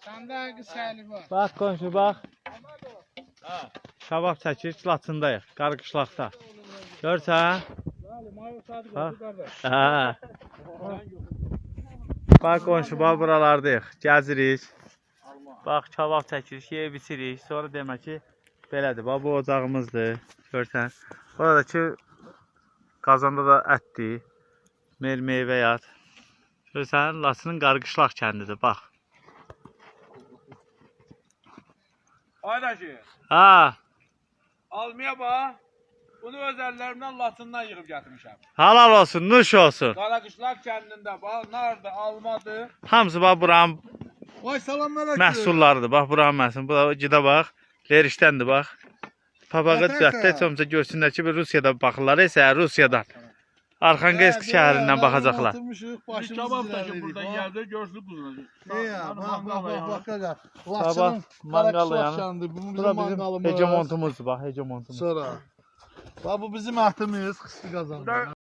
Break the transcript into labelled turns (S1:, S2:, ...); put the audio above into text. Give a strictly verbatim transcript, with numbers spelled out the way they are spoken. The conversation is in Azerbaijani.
S1: Səndə qısəli var.
S2: Bax qonşu, bax. Kabab çəkir, Laçındayıq, Qarqışlaqda. Görsən? Bax. Hə. Bax qonşu, bax buralardayıq, gəzirik. Bax kabab çəkirik, yeyib içirik. Sonra demək ki, belədir. Bax bu ocağımızdır. Görsən? Oradakı qazanda da ətdir. Meyvə yad. Görsən, Laçının Qarqışlaq kəndidir, bax.
S3: Aydaşı,
S2: Ha,
S3: almaya bax. Bunu öz əllərimdən Laçından yığıb gətirmişəm.
S2: halal olsun, nuş olsun.
S3: Qaraqışlaq kəndində bax, nardır, almadır.
S2: Hamısı bax buranın
S1: Vay salamlar
S2: məhsullarıdır. Bax buranın məhsulları. Bu da gidə bax. Lerişdəndir bax. Papağı düzəltdə heç olmasa görsünlər ki, Rusiyada baxırlar. Isə Rusiyadan. Arxanqeysk şəhərindən baxacaqlar.
S3: Bir kabab da ki, buradan gəldi, görsün quzunacaq.
S2: Sabah manqalı yanı. Bura bizim hegemontumuzdur bax, hegemontumuz.
S1: Sonra. Bax bu bizim ətimiz, xüsusi qazandı.